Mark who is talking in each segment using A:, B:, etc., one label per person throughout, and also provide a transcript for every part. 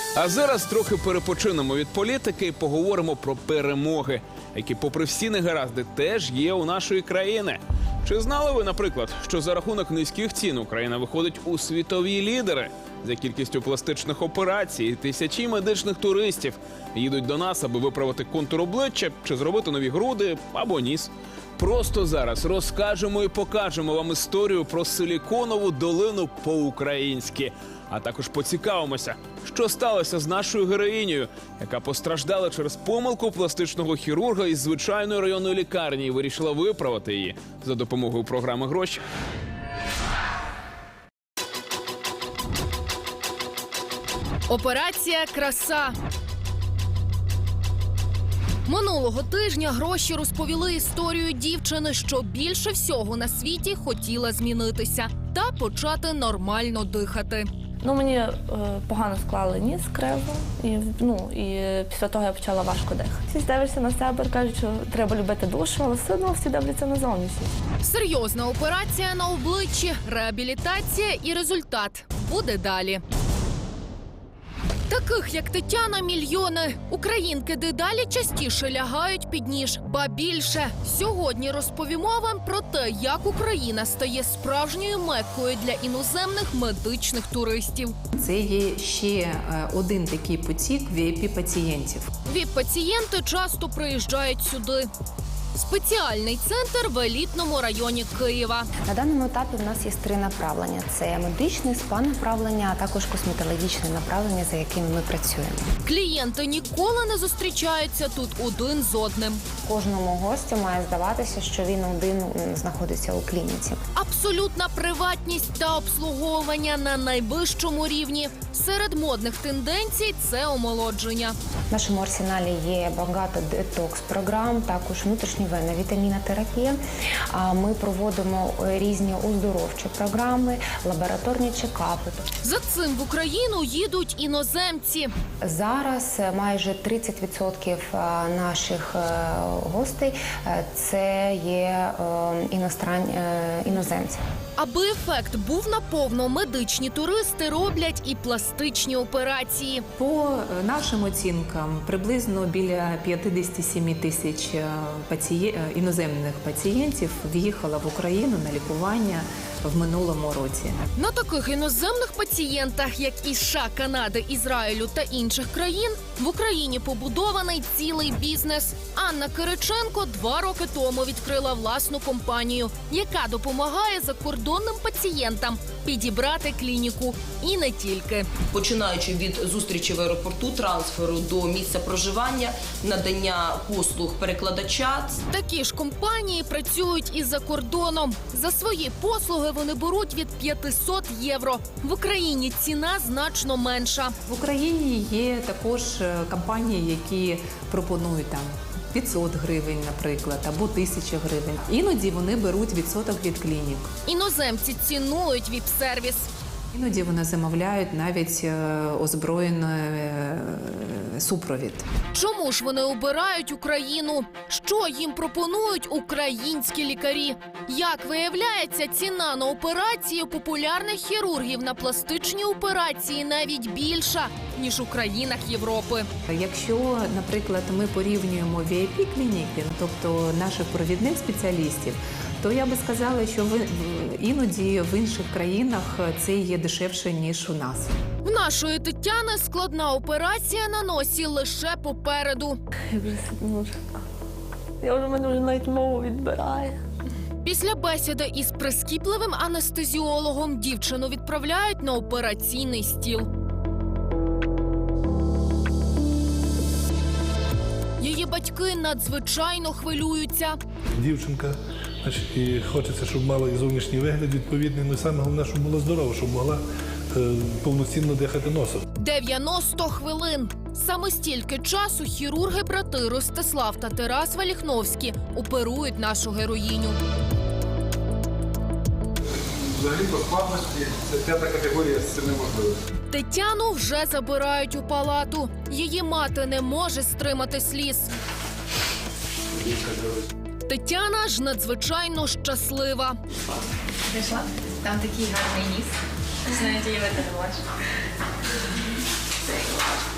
A: А зараз трохи перепочинемо від політики і поговоримо про перемоги, які, попри всі негаразди, теж є у нашої країни. Чи знали ви, наприклад, що за рахунок низьких цін Україна виходить у світові лідери? За кількістю пластичних операцій тисячі медичних туристів їдуть до нас, аби виправити контур обличчя чи зробити нові груди або ніс. Просто зараз розкажемо і покажемо вам історію про Силіконову долину по-українськи. А також поцікавимося, що сталося з нашою героїнею, яка постраждала через помилку пластичного хірурга із звичайної районної лікарні і вирішила виправити її за допомогою програми «Гроші».
B: Операція «Краса». Минулого тижня «Гроші» розповіли історію дівчини, що більше всього на світі хотіла змінитися та почати нормально дихати.
C: Мені погано склали ніс криво, і після того я почала важко дихати. Всі дивишся на себе, кажуть, що треба любити душу, але все одно всі дивляться на зовнішність.
B: Серйозна операція на обличчі, реабілітація і результат буде далі. Таких, як Тетяна, мільйони. Українки дедалі частіше лягають під ніж. Ба більше. Сьогодні розповімо вам про те, як Україна стає справжньою меккою для іноземних медичних туристів.
D: Це є ще один такий потік VIP-пацієнтів.
B: ВІП-пацієнти часто приїжджають сюди. Спеціальний центр в елітному районі Києва.
E: На даному етапі в нас є 3 направлення. Це медичне, спа-направлення, а також косметологічне направлення, за якими ми працюємо.
B: Клієнти ніколи не зустрічаються тут один з одним.
E: Кожному гостю має здаватися, що він один знаходиться у клініці.
B: Абсолютна приватність та обслуговування на найвищому рівні. Серед модних тенденцій – це омолодження.
E: В нашому арсеналі є багато детокс-програм, також внутрішньовенна вітамінотерапія. Ми проводимо різні оздоровчі програми, лабораторні чекапи.
B: За цим в Україну їдуть іноземці.
E: Зараз майже 30% наших гостей – це є іноземці.
B: Аби ефект був наповно, медичні туристи роблять і пластичні операції.
D: По нашим оцінкам, приблизно біля 57 тисяч іноземних пацієнтів в'їхало в Україну на лікування в минулому році.
B: На таких іноземних пацієнтах, як із США, Канади, Ізраїлю та інших країн, в Україні побудований цілий бізнес. Анна Кириченко 2 роки тому відкрила власну компанію, яка допомагає закордонним пацієнтам підібрати клініку. І не тільки.
F: Починаючи від зустрічі в аеропорту, трансферу до місця проживання, надання послуг перекладача.
B: Такі ж компанії працюють і за кордоном. За свої послуги вони беруть від 500 євро. В Україні ціна значно менша.
D: В Україні є також компанії, які пропонують 500 гривень, наприклад, або 1000 гривень. Іноді вони беруть відсоток від клінік.
B: Іноземці цінують віп-сервіс.
D: Іноді вони замовляють навіть озброєний супровід.
B: Чому ж вони обирають Україну? Що їм пропонують українські лікарі? Як виявляється, ціна на операції популярних хірургів на пластичні операції навіть більша, ніж у країнах Європи.
D: Якщо, наприклад, ми порівнюємо VIP-клініки, тобто наших провідних спеціалістів, то я би сказала, що іноді в інших країнах це є дешевше, ніж у нас.
B: В нашої Тетяни складна операція на носі лише попереду.
C: Мене вже навіть мову відбирає.
B: Після бесіди із прискіпливим анестезіологом дівчину відправляють на операційний стіл. Її батьки надзвичайно хвилюються.
G: Дівчинка, і хочеться, щоб мала і зовнішній вигляд відповідний, але саме головне, щоб була здорова, щоб могла повноцінно дихати носом.
B: 90 хвилин. Саме стільки часу хірурги-брати Ростислав та Тарас Валіхновські оперують нашу героїню.
H: Взагалі по складності це 5-та категорія з цим неможливо.
B: Тетяну вже забирають у палату. Її мати не може стримати сліз. Тетяна ж надзвичайно щаслива.
I: Прийшла? Там такий гарний ніс. Знаєте, я в це не бачу. Це клас.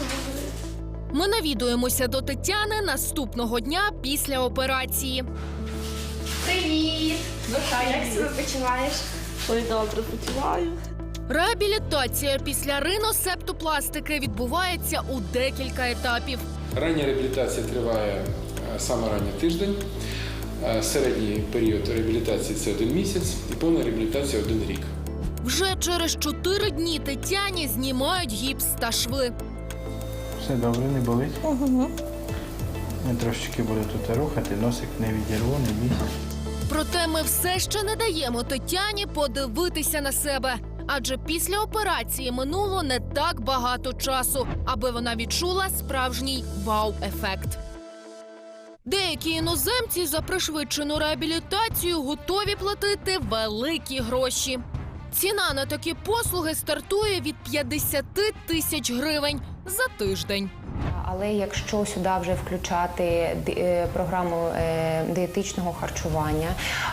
B: Ми навідуємося до Тетяни наступного дня після операції.
I: Привіт! Ну що, як себе почуваєш?
C: Ой, добре почуваю.
B: Реабілітація після риносептопластики відбувається у декілька етапів.
J: Рання реабілітація триває саме ранній тиждень, середній період реабілітації – це 1 місяць і повна реабілітація – 1 рік.
B: Вже через 4 дні Тетяні знімають гіпс та шви.
K: Все добре, не болить?
C: Угу.
K: Я трошечки буду тут рухати, носик не відірву, не бійся.
B: Проте ми все ще не даємо Тетяні подивитися на себе. Адже після операції минуло не так багато часу, аби вона відчула справжній вау-ефект. Деякі іноземці за пришвидшену реабілітацію готові платити великі гроші. Ціна на такі послуги стартує від 50 тисяч гривень за тиждень.
E: Але якщо сюди вже включати програму дієтичного харчування,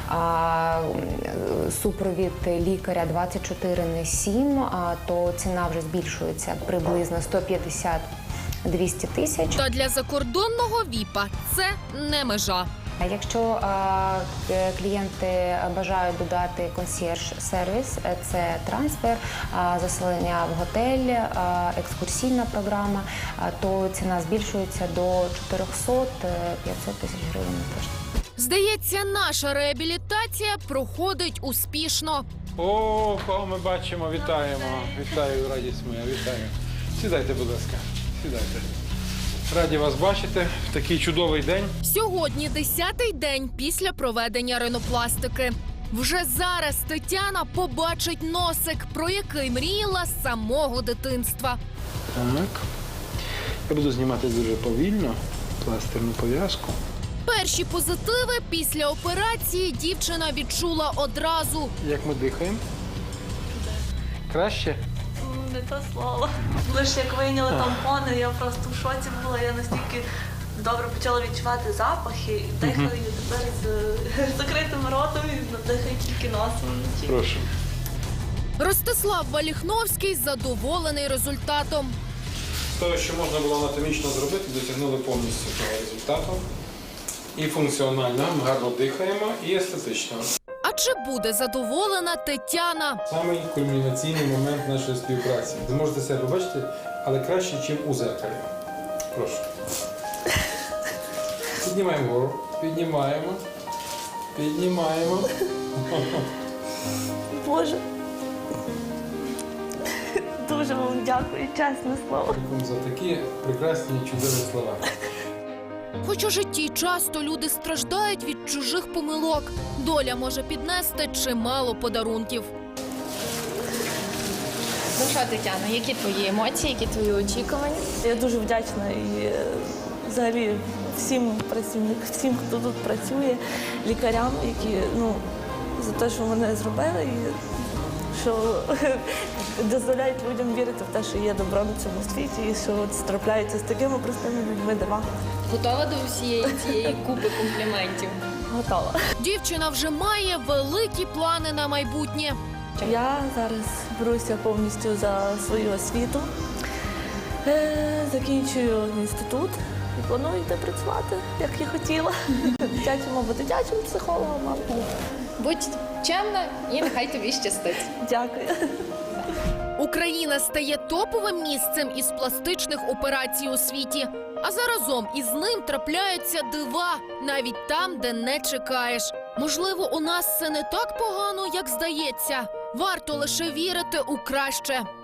E: супровід лікаря 24/7, то ціна вже збільшується приблизно 150-200 тисяч.
B: Та для закордонного ВІПа це не межа.
E: Якщо клієнти бажають додати консьєрж-сервіс, це трансфер, заселення в готель, екскурсійна програма, то ціна збільшується до 400-500 тисяч гривень на тиждень.
B: Здається, наша реабілітація проходить успішно.
J: О, кого ми бачимо, вітаємо. Вітаю, радість моя, вітаю. Сідайте, будь ласка, сідайте. Раді вас бачити в такий чудовий день.
B: Сьогодні 10-й день після проведення ринопластики. Вже зараз Тетяна побачить носик, про який мріяла з самого дитинства.
K: Так. Я буду знімати дуже повільно пластирну пов'язку.
B: Перші позитиви після операції дівчина відчула одразу.
K: Як ми дихаємо? Краще?
C: Не те слово. Лише як вийняли тампони, я просто в шоці була. Я настільки добре почала відчувати запахи, і дихаю тепер з закритим ротом і дихаю тільки носом.
K: Прошу.
B: Ростислав Валіхновський задоволений результатом.
J: З того, що можна було анатомічно зробити, досягнули повністю того результату. І функціонально, ми гарно дихаємо, і естетично.
B: А чи буде задоволена Тетяна?
J: Самий кульмінаційний момент нашої співпраці. Ви можете себе бачити, але краще, ніж у зеркалі. Прошу. Піднімаємо вгору. Піднімаємо. Піднімаємо.
C: Боже. Дуже вам дякую, чесне слово.
J: Дякую за такі прекрасні і чудові слова.
B: Хоч у житті часто люди страждають від чужих помилок, доля може піднести чимало подарунків.
I: Ну що, Тетяна, які твої емоції, які твої очікування?
C: Я дуже вдячна і взагалі всім працівникам, всім, хто тут працює, лікарям, які за те, що мене зробили, і що дозволяють людям вірити в те, що є добро на цьому світі, і що трапляються з такими простими людьми дива.
I: Готова до всієї цієї купи компліментів?
C: Готова.
B: Дівчина вже має великі плани на майбутнє.
C: Я зараз беруся повністю за свою освіту, закінчую інститут і планую йти працювати, як я хотіла. Дитячим або дитячим психологом, або...
I: Будь чемна і нехай тобі щастить.
C: Дякую.
B: Україна стає топовим місцем із пластичних операцій у світі. А заразом із ним трапляються дива, навіть там, де не чекаєш. Можливо, у нас все не так погано, як здається. Варто лише вірити у краще.